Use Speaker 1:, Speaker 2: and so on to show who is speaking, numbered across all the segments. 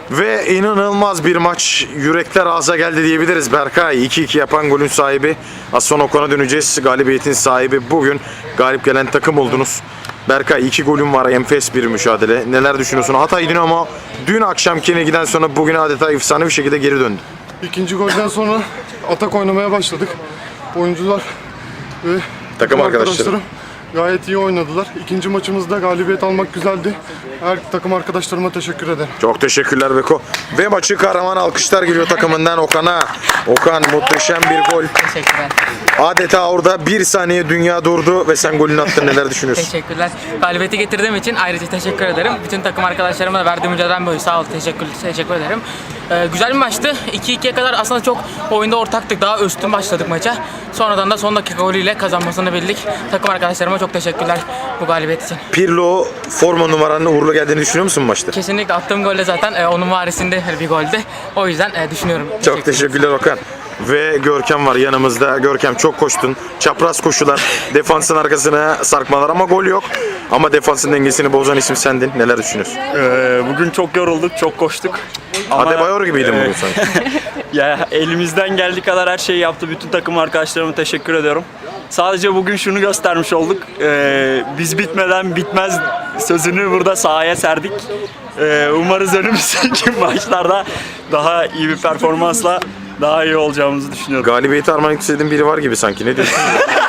Speaker 1: Ve inanılmaz bir maç. Yürekler ağza geldi diyebiliriz. Berkay 2-2 yapan golün sahibi. Az sonra Okan'a döneceğiz. Galibiyetin sahibi. Bugün galip gelen takım oldunuz. Berkay 2 golün var. Enfes bir mücadele. Neler düşünüyorsun? Hatay Dinamo dün akşamkine giden sonra bugün adeta efsane bir şekilde geri döndü.
Speaker 2: İkinci golden sonra atak oynamaya başladık. Oyuncular ve
Speaker 1: Takım arkadaşlarım
Speaker 2: gayet iyi oynadılar. İkinci maçımızda galibiyet almak güzeldi. Her takım arkadaşlarıma teşekkür ederim.
Speaker 1: Çok teşekkürler Beko. Ve maçı kahraman alkışlar geliyor takımından Okan'a. Okan muhteşem bir gol.
Speaker 3: Teşekkürler.
Speaker 1: Adeta orada bir saniye dünya durdu ve sen golünü attın. Neler düşünüyorsun?
Speaker 3: Teşekkürler. Galibiyeti getirdiğim için ayrıca teşekkür ederim. Bütün takım arkadaşlarıma da verdiğim mücadeleden dolayı sağ ol, teşekkür ederim. Güzel bir maçtı. 2-2'ye kadar aslında çok oyunda ortaktık. Daha üstün başladık maça. Sonradan da son dakika golüyle kazanmasını bildik. Takım arkadaşlarıma çok teşekkürler bu galibiyet için.
Speaker 1: Pirlo forma numaranın uğurlu geldiğini düşünüyor musun maçta?
Speaker 3: Kesinlikle attığım golde zaten onun varisinde bir goldü. O yüzden düşünüyorum.
Speaker 1: Çok teşekkürler Okan. Ve Görkem var yanımızda. Görkem çok koştun. Çapraz koşular, defansın arkasına sarkmalar ama gol yok. Ama defansın dengesini bozan isim sendin. Neler düşünüyorsun?
Speaker 4: Bugün çok yorulduk, çok koştuk. Ama,
Speaker 1: Adebayor gibiydin bugün sanki.
Speaker 4: ya elimizden geldiği kadar her şeyi yaptı. Bütün takım arkadaşlarıma teşekkür ediyorum. Sadece bugün şunu göstermiş olduk. Biz bitmeden bitmez sözünü burada sahaya serdik. Umarız önümüzdeki maçlarda daha iyi bir performansla daha iyi olacağımızı düşünüyorum.
Speaker 1: Galibiyeti armağan istediğin biri var gibi sanki. Ne diyorsun?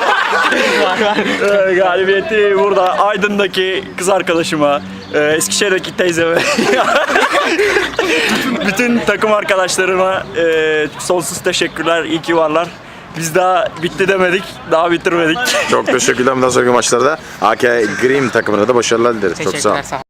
Speaker 4: Galibiyeti burada Aydın'daki kız arkadaşıma, Eskişehir'deki teyzeme, bütün takım arkadaşlarıma sonsuz teşekkürler, iyi ki varlar. Biz daha bitti demedik, daha bitirmedik.
Speaker 1: Çok teşekkürler. Bundan sonraki maçlarda AK Grim takımına da başarılar dileriz. Çok sağ ol.
Speaker 3: Teşekkürler. Sağ ol.